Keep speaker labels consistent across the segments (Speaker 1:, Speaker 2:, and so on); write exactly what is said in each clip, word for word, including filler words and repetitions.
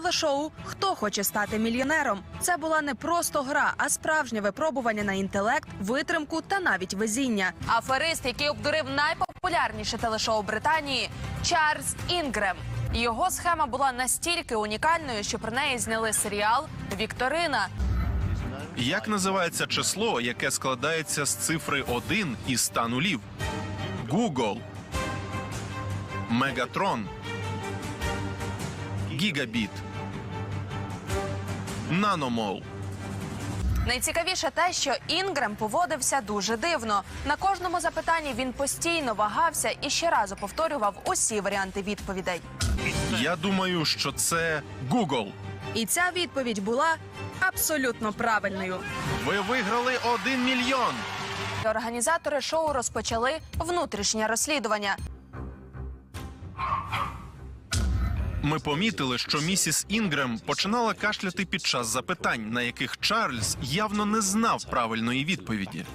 Speaker 1: телешоу «Хто хоче стати мільйонером». Це була не просто гра, а справжнє випробування на інтелект, витримку та навіть везіння. Аферист, який обдурив найпопулярніше телешоу Британії – Чарльз Інгрем. Його схема була настільки унікальною, що про неї зняли серіал «Вікторина».
Speaker 2: Як називається число, яке складається з цифри один і ста нулів? Google, Мегатрон, Гігабіт, Наномол.
Speaker 1: Найцікавіше те, що Інгрем поводився дуже дивно. На кожному запитанні він постійно вагався і ще разу повторював усі варіанти відповідей.
Speaker 2: Я думаю, що це Google.
Speaker 1: І ця відповідь була абсолютно правильною.
Speaker 2: Ви виграли один мільйон.
Speaker 1: Організатори шоу розпочали внутрішнє розслідування.
Speaker 2: Ми помітили, що місіс Інгрем починала кашляти під час запитань, на яких Чарльз явно не знав правильної відповіді.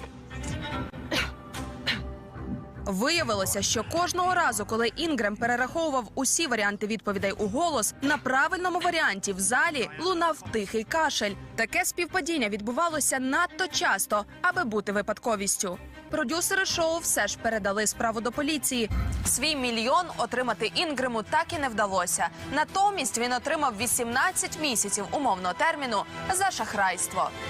Speaker 1: Виявилося, що кожного разу, коли Інгрем перераховував усі варіанти відповідей у голос, на правильному варіанті в залі лунав тихий кашель. Таке співпадіння відбувалося надто часто, аби бути випадковістю. Продюсери шоу все ж передали справу до поліції. Свій мільйон отримати Інгрему так і не вдалося. Натомість він отримав вісімнадцять місяців умовного терміну за шахрайство.